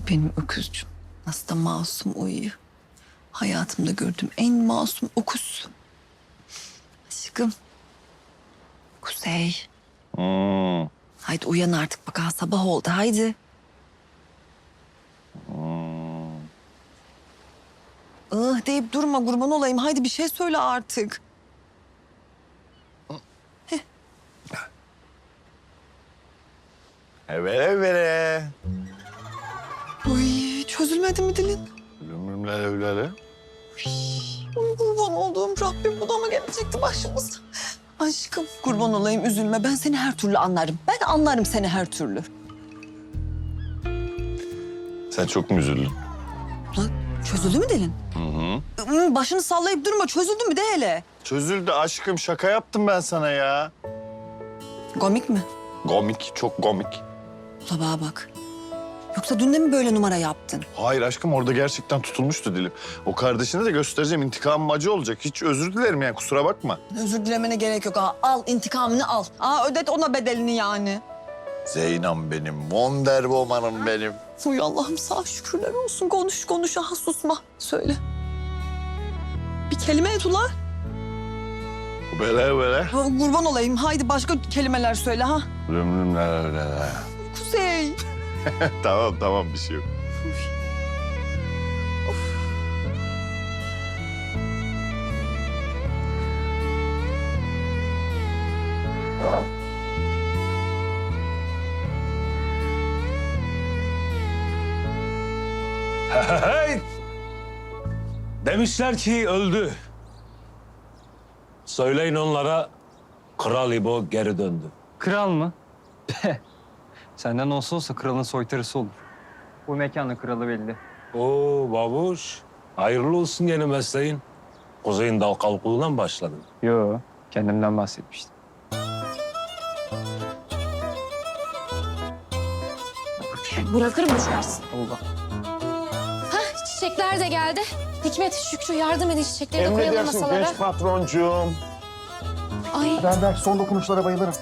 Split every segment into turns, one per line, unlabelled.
benim öküzcüm. Nasıl da masum uyuyor. Hayatımda gördüğüm en masum öküz. Aşkım. Kuzey. Haydi uyan artık bak ha, sabah oldu haydi. Deyip durma kurban olayım. Haydi bir şey söyle artık.
Evvele.
Uy, çözülmedi mi dilin?
Öyle.
Uy, kurban olduğum Rabbim, bu da mı gelecekti başımıza? Aşkım kurban olayım, üzülme. Ben seni her türlü anlarım. Ben anlarım seni her türlü.
Sen çok mu üzüldün?
Lan çözüldü mü dilin?
Hı.
Başını sallayıp durma. Çözüldü mü de hele.
Çözüldü aşkım. Şaka yaptım ben sana ya.
Komik mi?
Komik, çok komik.
Ula bana bak. Yoksa dün de mi böyle numara yaptın?
Hayır aşkım, orada gerçekten tutulmuştu dilim. O kardeşine de göstereceğim, intikamım acı olacak. Hiç özür dilerim yani, kusura bakma.
Özür dilemene gerek yok. Al intikamını al. Ödet ona bedelini yani.
Zeynep benim, Wonder Woman'ım benim.
Uy Allah'ım, sağ şükürler olsun. Konuş. Aha susma. Söyle. Bir kelime et ula.
Böyle.
Ha, kurban olayım. Haydi başka kelimeler söyle ha.
Öyle.
Kuzey.
Tamam bir şey yok.
Hey! Demişler ki öldü. Söyleyin onlara Kral İbo geri döndü.
Kral mı? Senden olsa kralın soytarısı olur. Bu mekanın kralı belli.
Oo babuş, hayırlı olsun yeni mesleğin. Kuzey'in dal kalkuluğuna mı başladın?
Yo, kendimden bahsetmiştim.
Bırakırım düşersin.
Allah.
Hah, çiçekler de geldi. Hikmet, Şükrü yardım edin, çiçekleri de koyalım masalara.
patroncuğum.
Ay,
Ben son dokunuşlara bayılırım.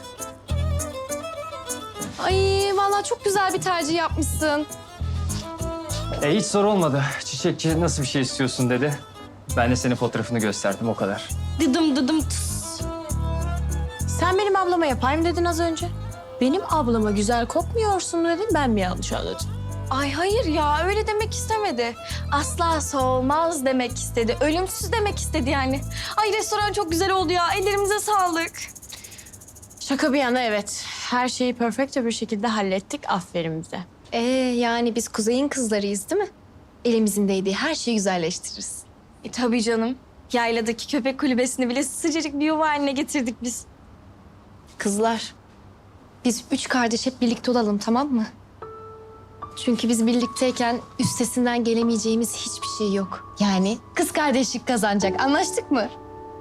ay vallahi çok güzel bir tercih yapmışsın.
Hiç zor olmadı. Çiçekçi nasıl bir şey istiyorsun dedi. Ben de senin fotoğrafını gösterdim, o kadar.
Dıdım tıs. Sen benim ablama yapayım dedin az önce. Benim ablama güzel kokmuyorsun dedin, ben mi yanlış anladım? Ay hayır ya, öyle demek istemedi. Asla soğumaz demek istedi. Ölümsüz demek istedi yani. Ay restoran çok güzel oldu ya. Ellerimize sağlık. Şaka bir yana evet. Her şeyi perfecto bir şekilde hallettik. Aferin bize. Yani biz Kuzey'in kızlarıyız değil mi? Elimizin değdiği her şeyi güzelleştiririz. Tabii canım. Yayladaki köpek kulübesini bile sıcacık bir yuva haline getirdik biz. Kızlar, biz 3 kardeş hep birlikte olalım, tamam mı? Çünkü biz birlikteyken üstesinden gelemeyeceğimiz hiçbir şey yok. Yani kız kardeşlik kazanacak. Anlaştık mı?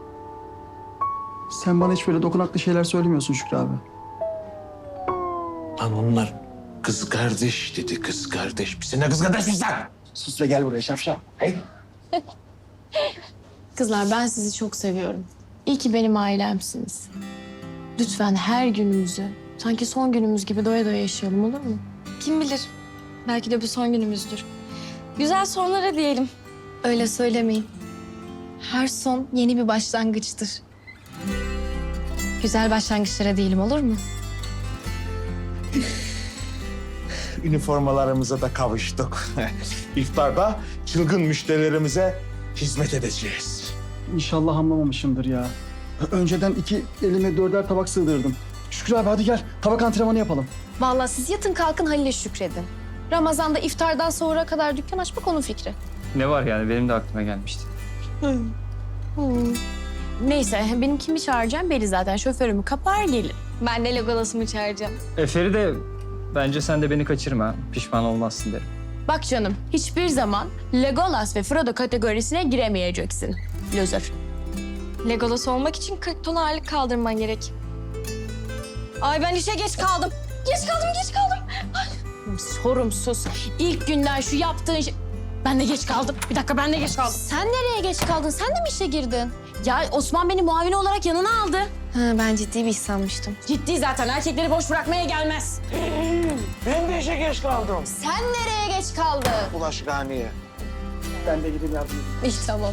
Sen bana hiç böyle dokunaklı şeyler söylemiyorsun Şükrü abi.
Lan onlar kız kardeş dedi, kız kardeş. Biz seninle kız kardeşiz lan.
Sus ve gel buraya şapşal. Hey.
Kızlar, ben sizi çok seviyorum. İyi ki benim ailemsiniz. Lütfen her günümüzü sanki son günümüz gibi doya doya yaşayalım, olur mu? Kim bilir? Belki de bu son günümüzdür. Güzel sonlara diyelim. Öyle söylemeyin. Her son yeni bir başlangıçtır. Güzel başlangıçlara diyelim, olur mu?
Üniformalarımıza da kavuştuk. İftarda çılgın müşterilerimize hizmet edeceğiz.
İnşallah anlamamışımdır ya. Önceden 2 elime 4'er tabak sığdırdım. Şükrü abi hadi gel tabak antrenmanı yapalım.
Vallahi siz yatın kalkın Halil'e şükredin. Ramazan'da iftardan sonra kadar dükkan açmak onun fikri.
Ne var yani, benim de aklıma gelmişti.
Neyse, benim kimi çağıracağım belli zaten. Şoförümü kapar gelir. Ben de Legolas'ımı çağıracağım.
Feride, bence sen de beni kaçırma. Pişman olmazsın derim.
Bak canım, hiçbir zaman Legolas ve Frodo kategorisine giremeyeceksin. Loser. Legolas olmak için 40 ton ağırlık kaldırman gerek. Ay ben işe geç kaldım. Geç kaldım. Ay. Sorumsuz. İlk günden şu yaptığın şey... Ben de geç kaldım. Bir dakika ben de geç kaldım.
Sen nereye geç kaldın? Sen de mi işe girdin?
Ya Osman beni muavin olarak yanına aldı.
Ha, ben ciddi bir iş sanmıştım.
Ciddi zaten erkekleri boş bırakmaya gelmez.
Ben de işe geç kaldım.
Sen nereye geç kaldın?
Bulaşıkhaneye.
Ben de gidip yardım edeyim.
İyi tamam.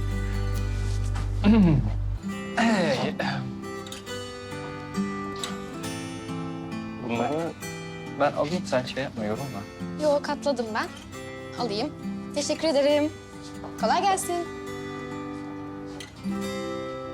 Bunları ben alayım, sen şey yapma, yorulma.
Yok katladım ben. Alayım. Teşekkür ederim. Kolay gelsin.